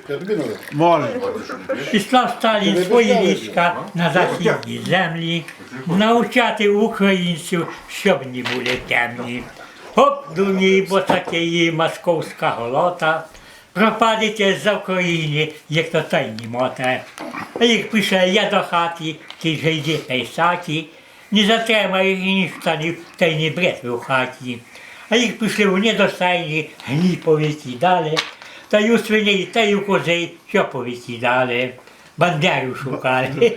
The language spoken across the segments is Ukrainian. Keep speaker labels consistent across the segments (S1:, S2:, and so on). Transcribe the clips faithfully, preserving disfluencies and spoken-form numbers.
S1: Може.
S2: Післав Сталін свої війська на західні землі, навчати українців, щоб не були темні. Хоп, дуні, босаки, московська голота, пропадете за Україні, як то тайні мота. А їх пише я до хати, ти же йди та й саті, не затримаєш ні штанів, та й не бред у хаті. А їх пішли у недостайні, гні повикидали, та й у свиней, та й у козей, що повикидали. Бандеру шукали.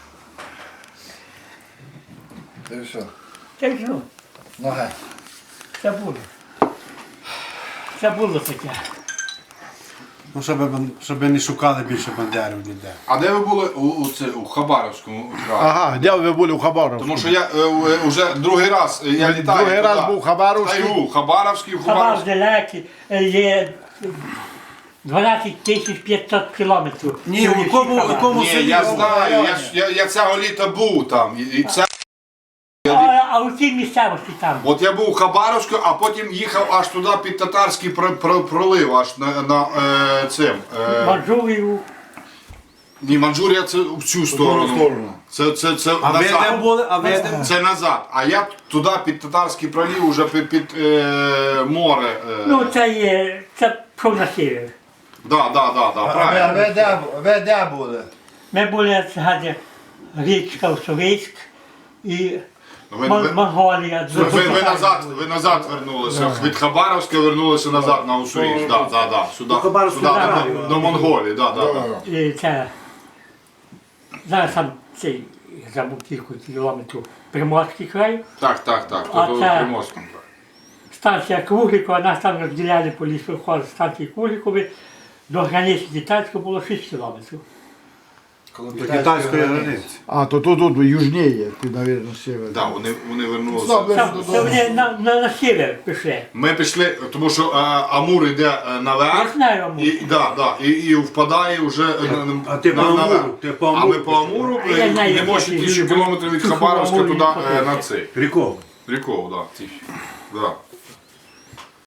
S3: Це все.
S2: Це що?
S3: Нога.
S2: Це було. Це було таке.
S1: Ну, щоб, щоб не шукали більше бандерів ніде.
S4: А де ви були у, у, це, у Хабаровському краї?
S5: Ага, де ви були у Хабаровську?
S4: Тому що я е, е, вже другий раз е, я літаю
S5: Другий раз
S4: туди.
S5: був Хабаровський.
S4: Тайгу, Хабаровський,
S2: Хабар
S4: Хабаровський.
S2: далекий, є дванадцять тисяч п'ятсот кілометрів.
S1: Ні, у кому, у кому
S4: Ні,
S1: селі?
S4: я знаю, я, ж- я, я цього літа був там. І, і це,
S2: А, а у цій місцевості там.
S4: от я був у Хабаровську, а потім їхав аж туди під татарський про- про- пролив, аж на, на е, цим. Е,
S2: Манчжурію.
S4: ні, Манчжурія це в цю сторону.
S3: сторону.
S4: Це, це, це
S1: А ви де
S4: назад.
S1: були? А ви де?
S4: Це назад. А я туди під татарський пролив, уже під, під е, море. Е,
S2: Ну, це є, це пішов на север.
S4: да, да, да, да,
S3: А ви,
S4: правильно.
S3: ви, де, ви де були?
S2: Ми були згадя річка Уссурийськ і
S4: Ви,
S2: Мон-
S4: ви,
S2: Монголія.
S4: ви, ви, ви назад, ви назад вернулися. Від Хабаровська вернулися назад на Уссурийськ. Да, да, да. Сюди,
S1: Хабаровську
S4: сюди,
S1: дорогу.
S4: до, до Монголії. Да, да, да.
S2: І це, зараз там цей, я забув кілька кілометрів, Приморський край.
S4: Так, так, так.
S2: А
S4: Тут у
S2: це-
S4: Приморському.
S2: Станція Круглікова, нас там розділяли по лісоходу станції Круглікові. До границі Китайської було шість кілометрів.
S1: До китайської границі.
S5: А, то тут, тут южніє, ти, мабуть, север.
S4: Да, вони, вони вернулися.
S3: Добре.
S2: Це, це вони на, на, на север пішли.
S4: Ми пішли, тому що е, Амур йде е,
S2: Я
S4: наверх.
S2: знаю Амур.
S4: І, да, да, і, і впадає вже е, на-
S1: А ти
S4: на-
S1: по Амуру,
S4: наверх.
S1: ти по
S4: А ми
S1: Амуру
S4: по Амуру
S2: А я
S4: е,
S2: знаю,
S4: не
S2: як
S4: можемо
S2: я
S4: тисячу
S2: люблю.
S4: кілометрів від
S2: Тихо,
S4: Хабаровська
S2: Амуру
S4: туди
S2: не
S4: е,
S2: ходити.
S4: на цей.
S1: Ріков.
S4: Ріков, да, тисячу. Да.